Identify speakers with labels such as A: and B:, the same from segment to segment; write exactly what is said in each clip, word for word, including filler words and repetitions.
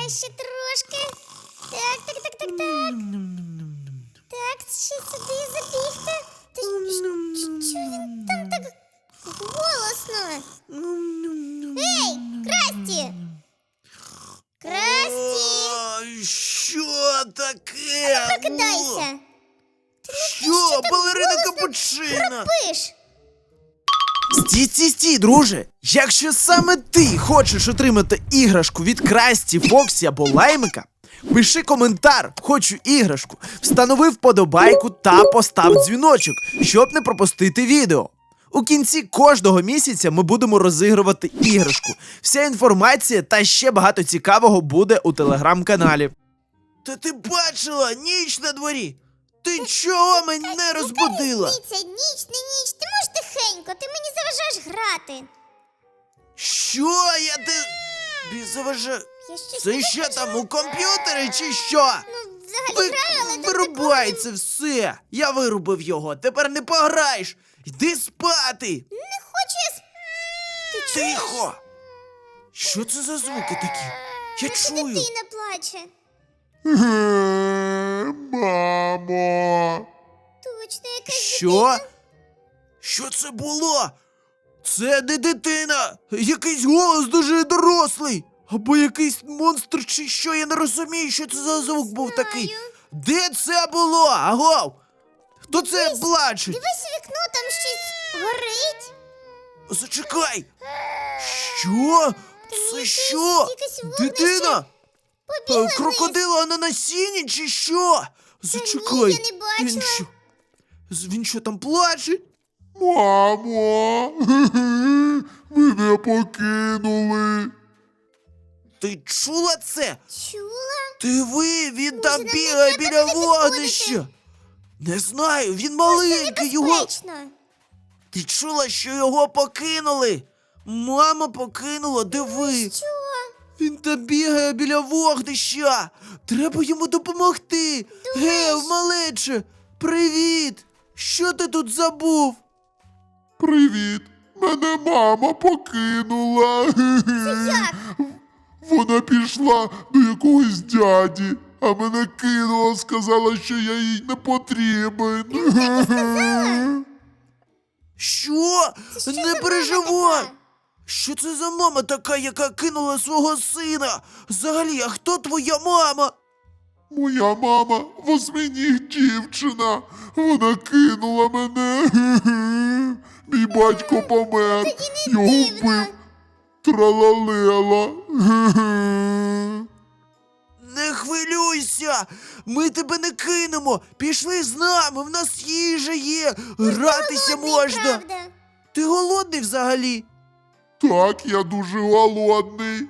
A: ще трошки. Так, так, так, так, так. Так, ще сюди забігти. Та що він там так голосно? Ей, Красті! Красті!
B: Ой, що таке?
A: Прокидайся!
B: Що, балерина капучино?
A: Пиш!
B: Стій, стій, стій, друже! Якщо саме ти хочеш отримати іграшку від Красті, Фоксі або Лаймика, пиши коментар «Хочу іграшку», встанови вподобайку та постав дзвіночок, щоб не пропустити відео. У кінці кожного місяця ми будемо розігрувати іграшку. Вся інформація та ще багато цікавого буде у телеграм-каналі. Та ти бачила, ніч на дворі! Ти чого мене розбудила?
A: Дивіться, ніч, не ніч, ти можеш тихенько, ти мені заважаєш грати.
B: Що я ти... Тобі заважаю?
A: Я щось
B: Це
A: не
B: що
A: хочу.
B: там, у комп'ютері чи що?
A: Ну, взагалі
B: Ви...
A: граю, але
B: Вирубай це все! Я вирубив його, тепер не пограєш! Йди спати!
A: не хочу я сп... Ти чуєш?
B: Тихо! Що це за звуки такі? Я
A: Це
B: чую!
A: дитина плаче.
C: Мамо!
A: Точно, якась
B: Що?
A: дитина.
B: Що це було? Це не дитина! Якийсь голос дуже дорослий! Або якийсь монстр чи що, я не розумію, що це за звук був такий. Де це було? Агов! Хто це плаче?
A: Дивись у вікно, там щось горить.
B: Зачекай! Що? Це
A: якесь-
B: що?
A: якесь вогнище.
B: Дитина?
A: Побігла
B: Е,
A: вниз.
B: Крокодила на насінні чи що? Зачекай.
A: ні, я не бачила.
B: Він що? З- Він що там плаче?
C: Мамо! Мене покинули!
B: Ти чула це?
A: Чула?
B: Диви, він там
A: нам
B: бігає
A: не треба
B: біля
A: туди
B: вогнища.
A: підходити.
B: Не знаю, він
A: Це
B: маленький, його.
A: небезпечно.
B: Ти чула, що його покинули? Мама покинула, диви.
A: Що?
B: Він там бігає біля вогнища. Треба йому допомогти. Гев, малече, привіт. Що ти тут забув?
C: Привіт! Мене мама покинула!
A: Як?
C: Вона пішла до якогось дяді, а мене кинула, сказала, що я їй не потрібен.
B: Що?
A: Це що
B: Не
A: за мама
B: переживай.
A: така?
B: Що це за мама така, яка кинула свого сина? Взагалі, а хто твоя мама?
C: Моя мама восьминіг дівчина. Вона кинула мене. Мій батько помер. Його
A: дивно.
C: вбив. Тралалела.
B: Не хвилюйся, ми тебе не кинемо. Пішли з нами, в нас їжа є, гратися
A: Голодний,
B: можна.
A: правда?
B: Ти голодний взагалі?
C: Так, я дуже голодний.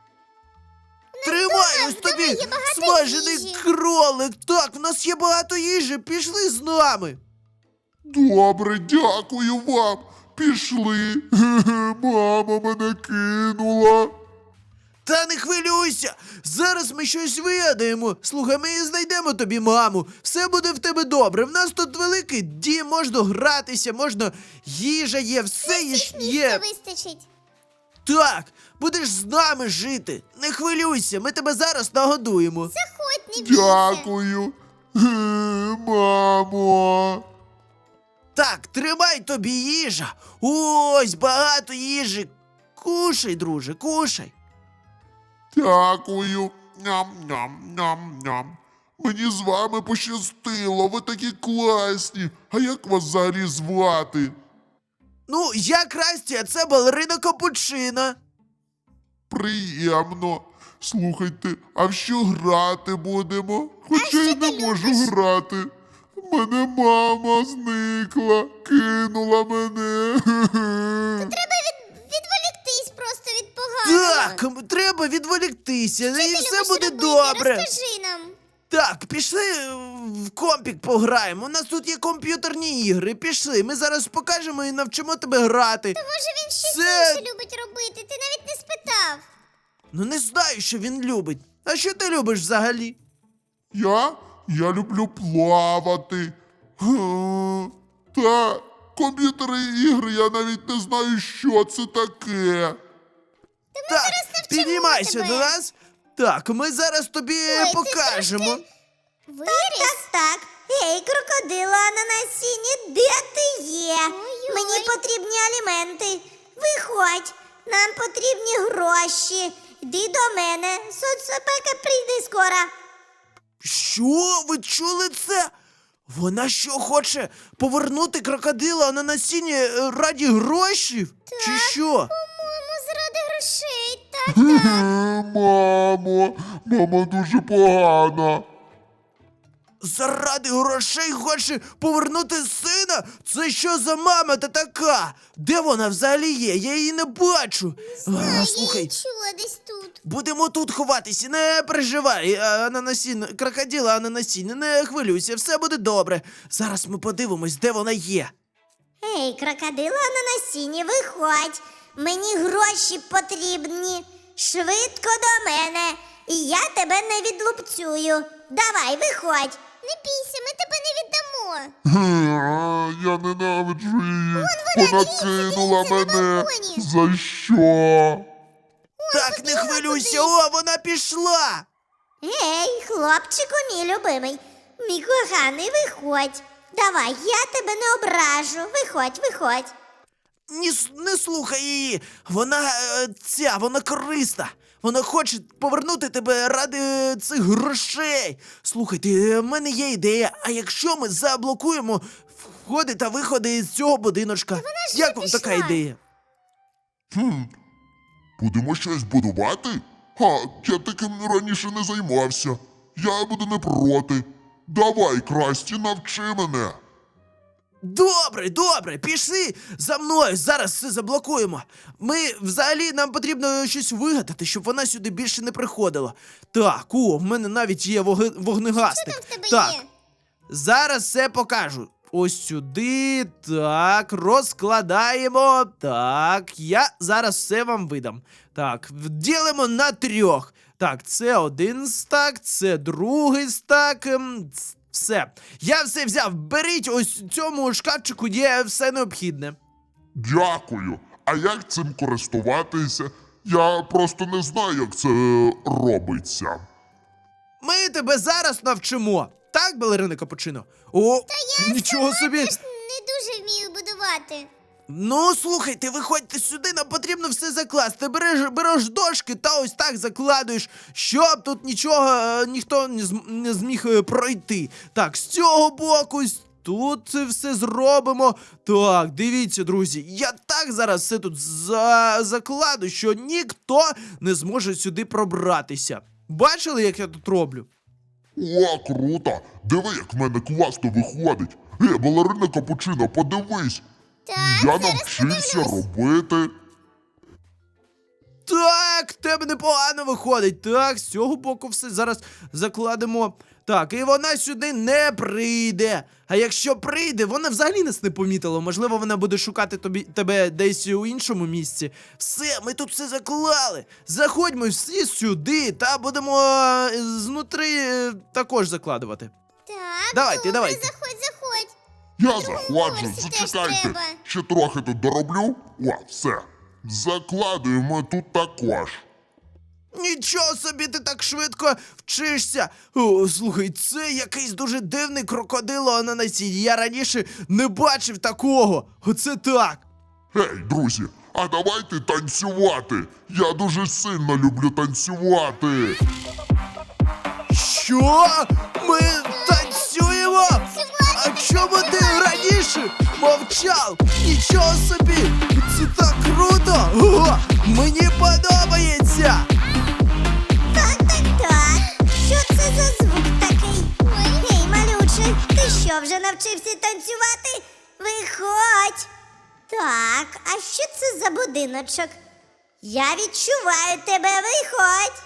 B: Тримай ось
A: вдома
B: тобі
A: є багато
B: смажений
A: їжі.
B: кролик. Так, в нас є багато їжі, пішли з нами.
C: Добре, дякую вам. Пішли. Мама мене кинула.
B: Та не хвилюйся, зараз ми щось вигадаємо. Слухай, ми знайдемо тобі маму. Все буде в тебе добре. В нас тут великий дім, можна гратися, можна їжа є, все є.
A: Місця
B: є.
A: вистачить.
B: Так, будеш з нами жити. Не хвилюйся, ми тебе зараз нагодуємо.
A: Заходь, не бійся.
C: Дякую. Мамо.
B: Так, тримай тобі їжа. Ось багато їжі. Кушай, друже, кушай.
C: Дякую. Ням-ням-ням-ням. Мені з вами пощастило, ви такі класні. А як вас взагалі звати?
B: Ну, я Красті, а це балерина Капучино.
C: Приємно. Слухайте, а в що грати будемо? Хоча я не можу грати. Мене мама зникла, кинула мене.
A: Треба від... відволіктись просто від поганого.
B: Так, м, треба відволіктися, і
A: Що ти
B: все
A: любиш
B: буде
A: робити?
B: добре.
A: Розкажи нам.
B: Так, пішли е, в компік пограємо. У нас тут є комп'ютерні ігри. Пішли. Ми зараз покажемо і навчимо тебе грати.
A: Може він щось
B: Це-
A: інше любить робити, ти навіть не спитав.
B: Ну не знаю, що він любить. А що ти любиш взагалі?
C: Я? Я люблю плавати. Га. Та комп'ютерні ігри я навіть не знаю, що це таке.
B: Так,
A: навчимо
B: піднімайся
A: тебе.
B: до нас. Так, ми зараз тобі
A: ти
B: покажемо.
A: трошки Виріс?
D: Так, так. Гей, крокодила на насінні, де ти є?
A: Ой-ой.
D: Мені потрібні аліменти. Виходь, нам потрібні гроші. Йди до мене. Соцопека прийде скоро.
B: Що? Ви чули це? Вона що хоче повернути крокодила на насіння е, раді грошів? Чи що?
A: По-моєму, заради грошей. Так,
C: Е, Мамо, мама дуже погана.
B: Заради грошей хоче повернути сина? Це що за мама та така? Де вона взагалі є? Я її не бачу. А,
A: я її
B: слухай,
A: чула десь тут.
B: будемо тут ховатися, не переживай, ананасін, крокодила ананасін, не хвилюйся, все буде добре. Зараз ми подивимось, де вона є.
D: Гей, крокодила на насінні, виходь. Мені гроші потрібні. Швидко до мене. І я тебе не відлупцюю. Давай, виходь.
A: Не бійся, ми тебе не віддамо.
C: Е, Я ненавиджу її. Вона
A: дивіться,
C: кинула
A: дивіться, на
C: мене.
A: балконі.
C: За що?
B: Так, не хвилюйся, о, вона пішла.
D: Гей, хлопчику, мій любимий, мій коханий, виходь. Давай, я тебе не ображу. Виходь, виходь.
B: Ні, с- не слухай її. Вона е, ця, вона корисна. Вона хоче повернути тебе ради е, цих грошей. Слухайте, е, в мене є ідея. А якщо ми заблокуємо входи та виходи з цього будиночка?
A: ж
B: Як
A: вже
B: вам така
A: пішла.
B: ідея?
C: Хм. Будемо щось будувати? Ха, я таким раніше не займався. Я буду не проти. Давай, Красті, навчи мене.
B: Добре, добре, пішли за мною. Зараз все заблокуємо. Ми взагалі нам потрібно щось вигадати, щоб вона сюди більше не приходила. Так, о, в мене навіть є воги- вогнегасник.
A: Що там в тебе
B: так,
A: є?
B: зараз все покажу. Ось сюди. Так, розкладаємо. Так, я зараз все вам видам. Так, ділимо на трьох. Так, це один стак, це другий стак. ем, ц- Все. Я все взяв. Беріть ось у цьому шкафчику є все необхідне.
C: Дякую. А як цим користуватися? Я просто не знаю, як це е, робиться.
B: Ми тебе зараз навчимо. Так, балерина Капучино? О, нічого собі.
A: Я ж не дуже вмію будувати.
B: Ну, слухайте, виходьте сюди, нам потрібно все закласти. Береш, береш дошки та ось так закладуєш, щоб тут нічого, е, ніхто не, зм- не зміг е, пройти. Так, з цього боку, ось тут це все зробимо. Так, дивіться, друзі, я так зараз все тут за... закладу, що ніхто не зможе сюди пробратися. Бачили, як я тут роблю?
C: О, круто! Диви, як в мене класно виходить. Е, балерина Капучино, подивись.
A: Так,
C: Я
A: зараз
C: навчився
A: подивлюсь.
C: робити.
B: Так, в тебе непогано виходить. Так, з цього боку все зараз закладемо. Так, і вона сюди не прийде. А якщо прийде, вона взагалі нас не помітила. Можливо, вона буде шукати тобі, тебе десь у іншому місці. Все, ми тут все заклали. Заходьмо всі сюди та будемо е, знутри е, також закладувати.
A: Так,
B: Давайте,
A: добре,
B: давайте.
A: заходь, заходь.
C: Я заходжу,
A: поверсі теж
C: зачекайте.
A: треба.
C: Ще трохи тут дороблю. О, все. Закладуємо тут також.
B: Нічого собі ти так швидко вчишся. О, слухай, це якийсь дуже дивний крокодило на насінні. Я раніше не бачив такого. Оце так.
C: Гей, друзі, а давайте танцювати. Я дуже сильно люблю танцювати.
B: Що? Ми танцюємо? А чому ти раніше мовчав? Нічого собі! Це так круто! О, мені подобається!
D: Так, так, так. Що це за звук такий? Гей, малюче, ти що, вже навчився танцювати? Виходь. Так, а що це за будиночок? Я відчуваю тебе, виходь.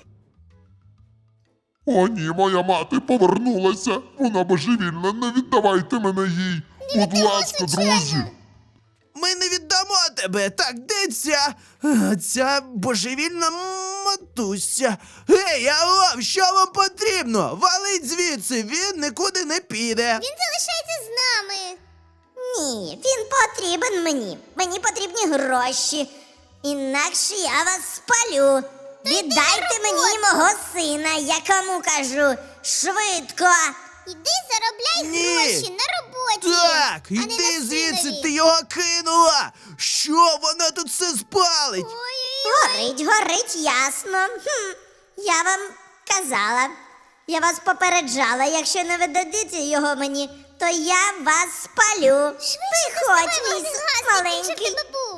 C: О, ні, моя мати повернулася. Вона божевільна, не віддавайте мене їй. Будь ласка, друзі.
B: Ми не віддамо тебе! Так, де ця? А, ця божевільна матуся. Гей, алло, що вам потрібно? Валить звідси, він нікуди не піде.
A: Він залишається з нами.
D: Ні, він потрібен мені. Мені потрібні гроші. Інакше я вас спалю. Віддайте мені мого сина, я кому кажу. Швидко.
A: Іди заробляй
B: Ні.
A: гроші на роботі.
B: Так,
A: а не
B: іди
A: на
B: звідси,
A: синові.
B: ти його кинула! Що вона тут все спалить?
A: Ой-ой-ой.
D: Горить, горить, ясно. Хм, я вам казала. Я вас попереджала, якщо не видадите його мені, то я вас спалю. Виходь, мій с- маленький.
A: тебе був.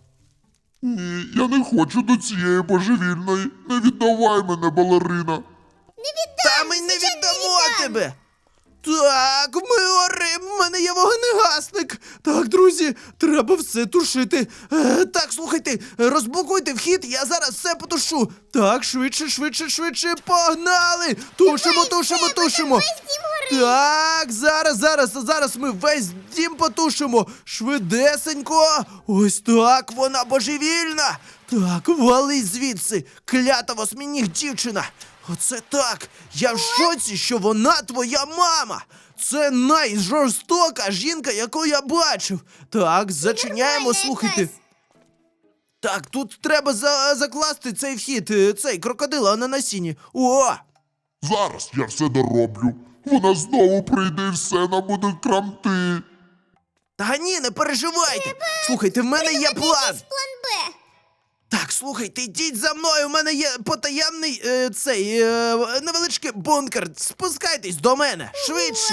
C: Ні, я не хочу до цієї божевільної. Не віддавай мене, балерина.
A: Не віддам.
B: Та ми не
A: звичайно,
B: віддамо
A: віддам.
B: тебе! Так, ми горим, в мене є вогнегасник. Так, друзі, треба все тушити. Е, так, слухайте, розблокуйте вхід, я зараз все потушу. Так, швидше, швидше, швидше, погнали! Тушимо, тушимо, тушимо.
A: Весь дім горить.
B: Так, зараз, зараз, зараз ми весь дім потушимо. Швидесенько. Ось так, вона божевільна. Так, вали звідси, клята восьминіг дівчина. Оце так. Я в шоці, що вона твоя мама. Це найжорстока жінка, яку я бачив. Так, зачиняємо,
A: нормальна
B: слухайте.
A: якась.
B: Так, тут треба за закласти цей вхід, е, цей крокодила на насінні. О!
C: Зараз я все дороблю. Вона знову прийде і все нам буде крамти.
B: Та ні, не переживайте. Слухайте, в мене є план.
A: Якийсь план Б.
B: Так, слухайте, йдіть за мною. У мене є потаємний е, цей е, невеличкий бункер. Спускайтесь до мене швидше.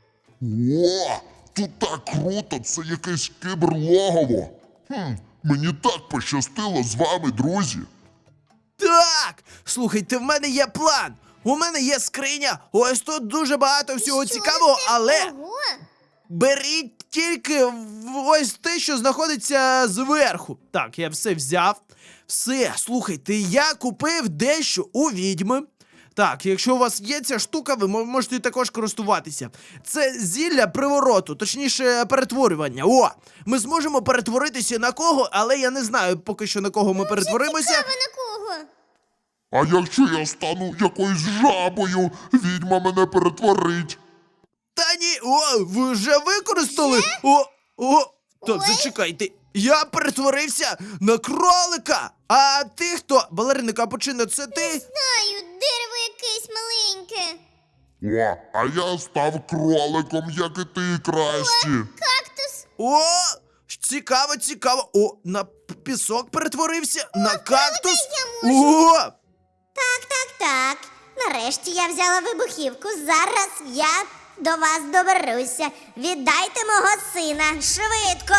C: О, тут так круто, це якесь киберлогово. Хм, мені так пощастило з вами, друзі.
B: Так, слухайте, в мене є план. У мене є скриня. Ось тут дуже багато всього
A: Що
B: цікавого,
A: це?
B: але
A: Ого.
B: беріть тільки в- ось те, що знаходиться зверху. Так, я все взяв. Все, слухайте, я купив дещо у відьми. Так, якщо у вас є ця штука, ви мо- можете також користуватися. Це зілля привороту, точніше, перетворювання. О! Ми зможемо перетворитися на кого, але я не знаю поки що на кого ми перетворимося.
A: Цікаво на кого?
C: А якщо я стану якоюсь жабою, відьма мене перетворить.
B: Та ні, о, ви вже використали? О, о, так,
A: Ой.
B: зачекайте. Я перетворився на кролика. А ти хто? Балерина Капучино, це ти?
A: Знаю, дерево якесь маленьке.
C: О, а я став кроликом, як і ти, Красті.
A: Кактус.
B: О, цікаво, цікаво. О, на п- пісок перетворився, на кактус.
A: я
B: О,
D: Так, так, так. Нарешті я взяла вибухівку. Зараз я до вас доберуся. Віддайте мого сина швидко.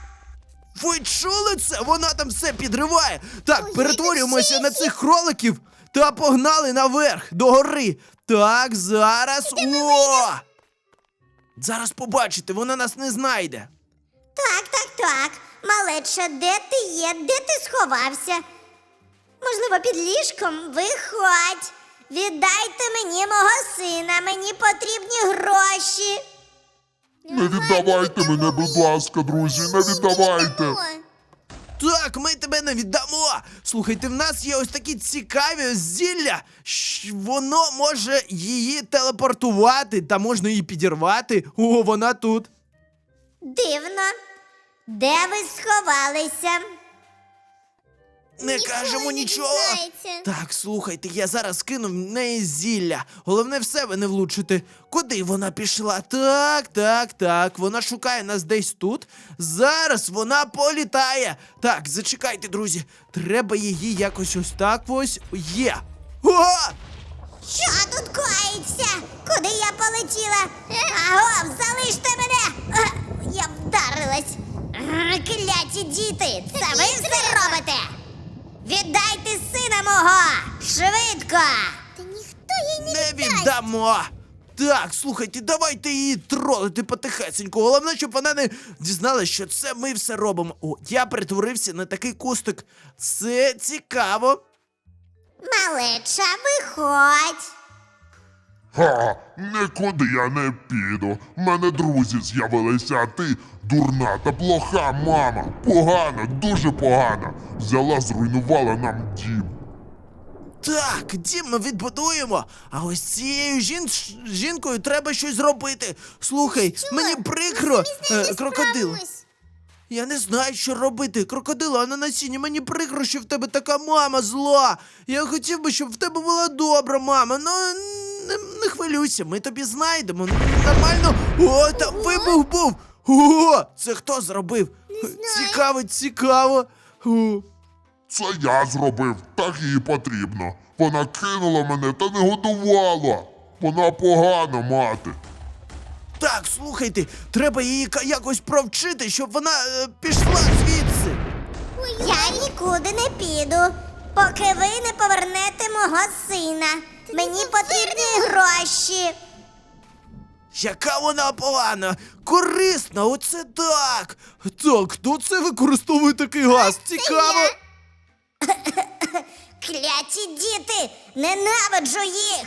B: ви чули це? Вона там все підриває. Так,
A: Ой,
B: перетворюємося
A: це
B: на цих кроликів та погнали наверх, до гори. Так, зараз. О! Зараз побачите, вона нас не знайде.
D: Так, так, так. Малеча, де ти є? Де ти сховався? Можливо, під ліжком? Виходь. Віддайте мені мого сина. Мені потрібні гроші.
C: Не віддавайте мене, будь ласка, друзі, не віддавайте.
A: О,
B: Так, ми тебе не віддамо. Слухайте, в нас є ось такі цікаві зілля. Щ- Воно може її телепортувати, та можна її підірвати. О, вона тут.
D: Дивно. Де ви сховалися?
B: Не
A: Ніколи
B: кажемо
A: не
B: нічого.
A: дізнається.
B: Так, слухайте, я зараз кину в неї зілля. Головне в себе не влучити. Куди вона пішла? Так, так, так. Вона шукає нас десь тут. Зараз вона політає. Так, зачекайте, друзі. Треба її якось ось так ось. Є. О!
D: Що тут коїться? Куди я полетіла? Аго, залиште мене! А, я вдарилась. А, кляті діти, це ви все робите? Віддайте сина мого! Швидко!
A: Та ніхто їй не,
B: Не
A: віддасть.
B: віддамо. Так, слухайте, давайте її тролити потихесеньку. Головне, щоб вона не дізналася, що це ми все робимо. О, я перетворився на такий кустик. Це цікаво.
D: Малеча, виходь!
C: Ха, нікуди я не піду. В мене друзі з'явилися, а ти дурна та плоха мама. Погано, дуже погано. Взяла, зруйнувала нам дім.
B: Так, дім ми відбудуємо. А ось цією жін... жінкою треба щось зробити. Слухай,
A: Що?
B: мені
A: Ми
B: прикро,
A: самі з нею
B: е,
A: не
B: крокодил.
A: справимось.
B: Я не знаю, що робити. Крокодила на насінні, мені прикро, що в тебе така мама зла. Я хотів би, щоб в тебе була добра мама. Ну, не, не хвилюйся, ми тобі знайдемо. Нормально. О, там вибух був. О, це хто зробив? Цікаво, цікаво. О.
C: Це я зробив, так їй потрібно. Вона кинула мене та не годувала. Вона погана мати.
B: Так, слухайте, треба її ка- якось провчити, щоб вона е, пішла звідси.
D: Я нікуди не піду, поки ви не повернете мого сина. Мені потрібні гроші.
B: Яка вона погана, корисна, оце так. Так, хто це використовує такий газ? Цікаво.
D: Кляті діти! Ненавиджу їх!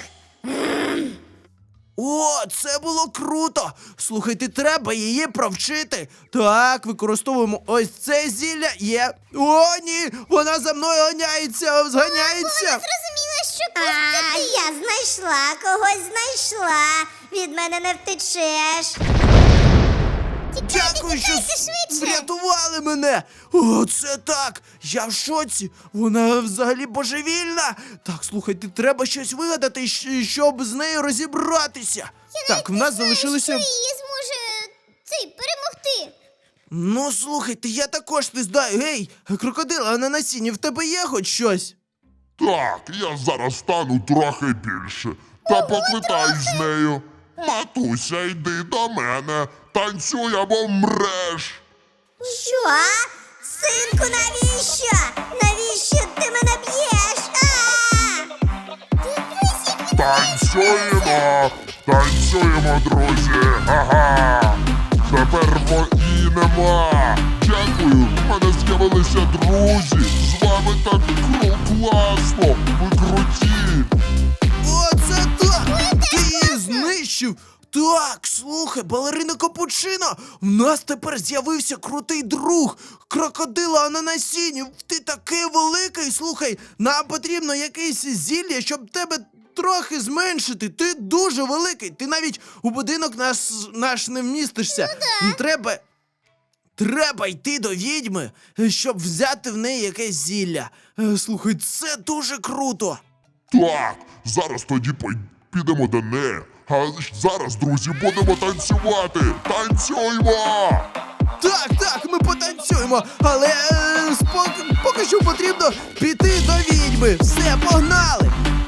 B: О, це було круто! Слухайте, треба її провчити. Так, використовуємо ось це зілля. Є. О, ні! Вона за мною ганяється, зганяється.
A: Зрозуміла, що
D: А,
A: просто ти.
D: я знайшла, когось знайшла. Від мене не втечеш.
B: Дякую, що
A: тікайте
B: с-
A: швидше.
B: врятували мене. О, це так. Я в шоці. Вона взагалі божевільна. Так, слухайте, треба щось вигадати, щ- щоб з нею розібратися. Так, в нас залишилося.
A: Що її зможе цей перемогти?
B: Ну, слухайте, я також не знаю. Гей, крокодила, а на насінні в тебе є хоч щось?
C: Так, я зараз стану трохи більше. Та покликаюсь з нею. Матуся, йди до мене. Танцюй або мреш.
D: Що? Синку, навіщо? Навіщо ти мене б'єш? А!
C: Танцюємо! Танцюємо, друзі! Ага! Тепер вої нема! Дякую! В мене з'явилися друзі! З вами так кру класно! Ви круті!
B: О, це так! Ти її знищив! Так, слухай, балерина Капучино, в нас тепер з'явився крутий друг, крокодила ананасінів. Ти такий великий, слухай, нам потрібно якесь зілля, щоб тебе трохи зменшити. Ти дуже великий, ти навіть у будинок наш, наш не вмістишся. Ну, Треба, треба йти до відьми, щоб взяти в неї якесь зілля. Е, Слухай, це дуже круто.
C: Так, зараз тоді пой- підемо до неї. А зараз, друзі, будемо танцювати! Танцюймо!
B: Так, так, ми потанцюємо, але е, спок- поки що потрібно піти до відьми. Все, погнали!